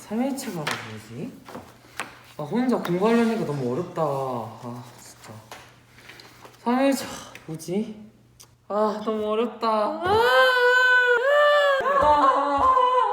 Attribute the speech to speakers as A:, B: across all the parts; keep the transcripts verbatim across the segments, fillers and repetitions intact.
A: 삼일체가 뭐지? 아 혼자 공부하려니까 너무 어렵다. 아 진짜 삼일체 뭐지? 아 너무 어렵다. 아, 아,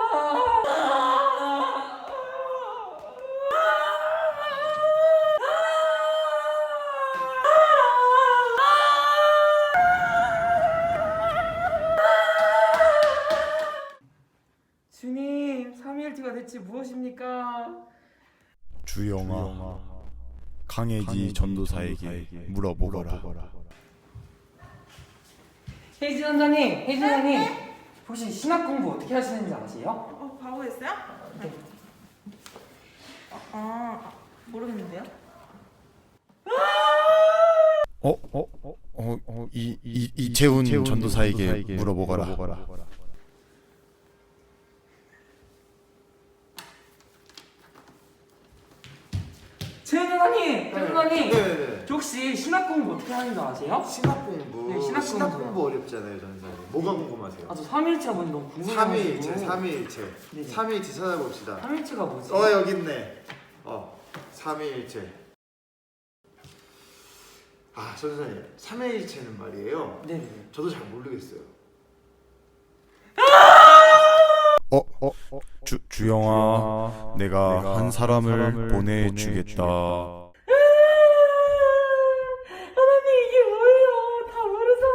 A: 주님, 삼일체가 대체 무엇입니까?
B: 주영아, 강혜지 전도사에게 물어보거라.
A: 혜진 원장님, 혜진 원장님, 혹시 신학 공부 어떻게 하시는지 아세요?
C: 어, 바보였어요? 네. 어, 아, 모르겠는데요?
B: 어, 어, 어, 어, 어, 이, 이, 이채훈 전도사에게 물어보거라.
A: 재현 원장님, 재현 원장님,
D: 네네.
A: 저 혹시 신학 공부 어떻게 하는지 아세요?
D: 신학 공부.
A: 네, 신학
D: 신학
A: 공부.
D: 공부 어렵잖아요, 전사님. 뭐가 궁금하세요?
A: 아 저 삼일체가 뭔지 너무 궁금해가지고.
D: 삼위일체, 삼위일체.
A: 네네.
D: 삼위일체 찾아봅시다.
A: 삼일체가 뭐지?
D: 어, 여기 있네. 어, 삼위일체. 아, 전사님, 삼위일체는 말이에요.
A: 네네.
D: 저도 잘 모르겠어요.
B: 어, 어, 어, 주, 주영아, 내가 한 사람을 보내주겠다.
A: 하나님 이게 뭐예요? 다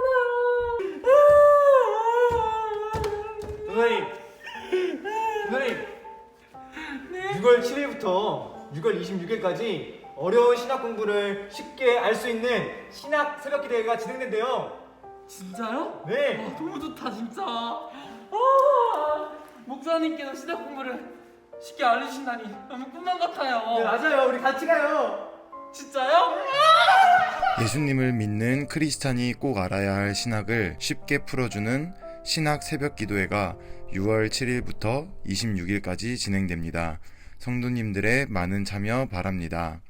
A: 모르잖아요.
E: 누나님, 누나님, 유월 칠일부터 유월 이십육일까지 어려운 신학 공부를 쉽게 알 수 있는 신학 새벽기 대회가 진행된대요.
A: 진짜요?
E: 네.
A: 와, 너무 좋다 진짜. 아, 목사님께서 신학 공부를 쉽게 알려주신다니 너무 꿈만 같아요.
E: 네, 맞아요. 우리 같이 가요.
A: 진짜요?
B: 예수님을 믿는 크리스찬이 꼭 알아야 할 신학을 쉽게 풀어주는 신학 새벽 기도회가 유월 칠일부터 이십육일까지 진행됩니다. 성도님들의 많은 참여 바랍니다.